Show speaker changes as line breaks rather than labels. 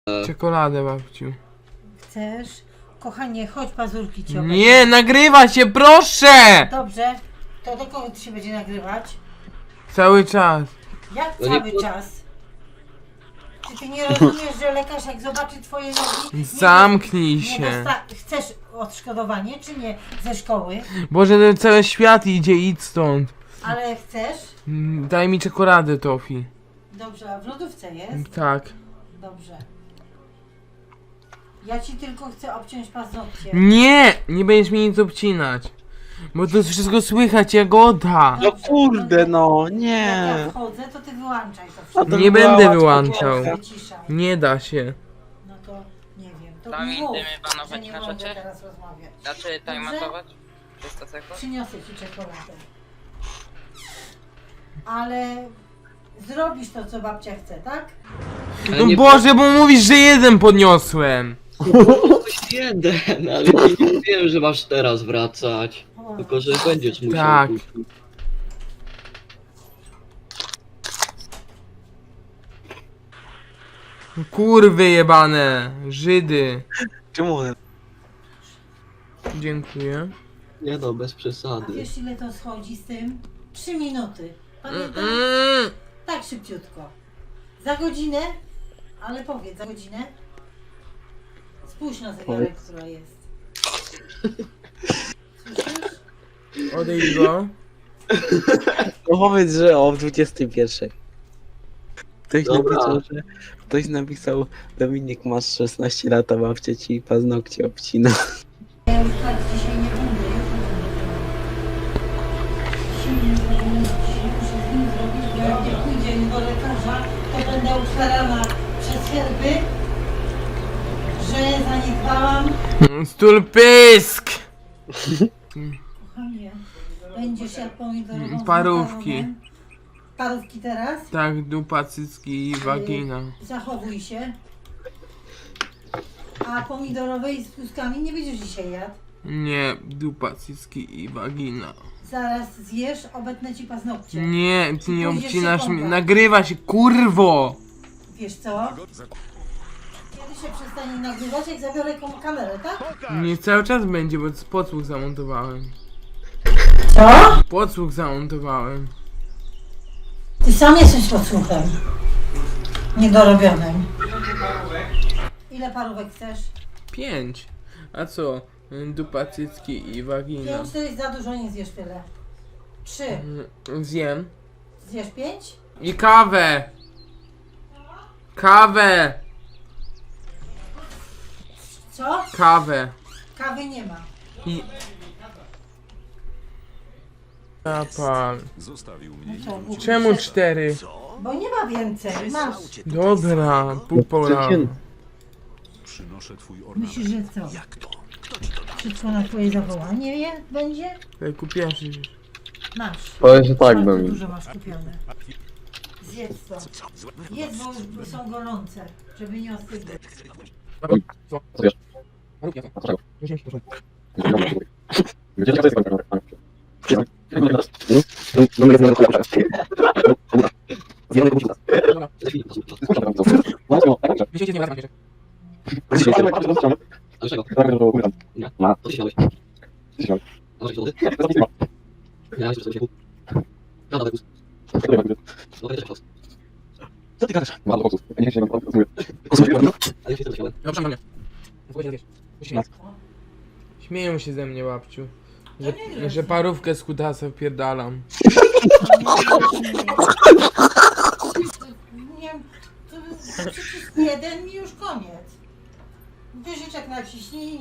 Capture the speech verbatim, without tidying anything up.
Czekoladę, babciu.
Chcesz? Kochanie, chodź, pazurki cię obejrzę.
Nie, nagrywa się, proszę!
Dobrze, to do kogo ty się będzie nagrywać?
Cały czas.
Jak
No nie
cały
po-
czas? Czy ty nie rozumiesz, że lekarz jak zobaczy twoje nogi... nie-
Zamknij
nie
się.
dosta- Chcesz odszkodowanie, czy nie? Ze szkoły?
Boże, ten cały świat idzie, idź stąd.
Ale chcesz?
Mm, Daj mi czekoladę, Tofi.
Dobrze, a w lodówce jest?
Tak.
Dobrze. Ja ci tylko chcę obciąć paznokcie.
Nie! Nie będziesz mi nic obcinać. Bo to wszystko słychać, Jagoda.
No kurde, no,
Jak
nie.
ja wchodzę, to ty wyłączaj to
A
wszystko.
to
Nie
była
będę
łatwa
wyłączał.
gierka.
Wyciszaj.
Nie da się.
No to nie wiem. To
Tam
mi mów,
idziemy panować
że nie
na
mogę
rzeczy?
teraz rozmawiać.
Znaczy
Dobrze?
tajmatować? trzysta sekund?
Przyniosę ci czekoladę. Ale zrobisz to, co babcia chce, tak?
Ale
No
nie
Boże, bo mówisz, że jeden podniosłem.
Ktoś jeden, ale nie mówiłem, że masz teraz wracać.
O,
Tylko, że będziesz musiał.
Tak.
później.
Kurwy jebane. Żydy.
Czemu one?
Dziękuję.
Nie no, bez
A
przesady.
wiesz, ile to schodzi z tym? Trzy minuty. Pamiętasz?
Mm.
Tak szybciutko. Za godzinę? Ale powiedz, za godzinę? Spójrz na zegarek, która jest. Słyszysz?
Odejdź go.
No powiedz, że o dwudziestej pierwszej. Ktoś
Dobra.
napisał, że... Ktoś napisał, Dominik, masz szesnaście lat, a babcia ci paznokcie obcina.
Ja już tak dzisiaj nie będę, jutro będę. Dzisiaj nie będę, dzisiaj muszę z nim zrobić, bo jak nie pójdzie do lekarza, to będę ukarana przez herby, że zaniedbałam.
Stul pysk.
Kochanie, będziesz jak pomidorową z
Parówki.
makaronem. Parówki teraz?
Tak, dupa, cycki i wagina.
Zachowuj się. A pomidorowej z pluskami nie będziesz dzisiaj jadł.
Nie, dupa, cycki i wagina.
Zaraz zjesz, obetnę ci paznokcie.
Nie, ty nie
Pójdziesz się
obcinasz mnie.
kąpać.
Nagrywa się, kurwo!
Wiesz co? Kiedy się przestanie nagrywać, jak zabiorę kom- kamerę, tak?
Nie cały czas będzie, bo podsłuch zamontowałem.
Co?
Podsłuch zamontowałem.
Ty sam jesteś podsłuchem. Niedorobionym. Ile parówek chcesz?
Pięć. A co? Dupa, cycki i wagina.
Pięć to jest za dużo, nie zjesz tyle. Trzy.
Mm, Zjem.
Zjesz pięć?
I kawę! Kawę!
Co?
Kawę.
Kawy nie ma.
I... Zapal.
Zostawił
No
mnie.
co, głupi
Czemu
szef?
cztery?
Bo nie ma więcej. Masz.
Dobra, pół pola.
Przynoszę twój ornament.
Myślisz, że co?
Jak to?
Wszystko na twoje zawołanie je będzie?
Tutaj kupiłem się.
Masz.
Powiem, że tak,
Bardzo
Domin.
dużo masz kupione. Zjedz to. Jedz, bo są gorące, żeby nie ostygły.
Dlaczego? Nie. Co ty chciałeś? A masz jakieś dowody? Ja jeszcze sobie się kup. Ja dawaj gust. No to też czas.
Co ty gadasz?
Ale ja się też chciałem.
Dobrze, mnie. Śmieją się ze mnie, babciu. Że, że parówkę z kutasa wpierdalam.
Nie, to przycisk jeden i już koniec. Guziczek naciśnij.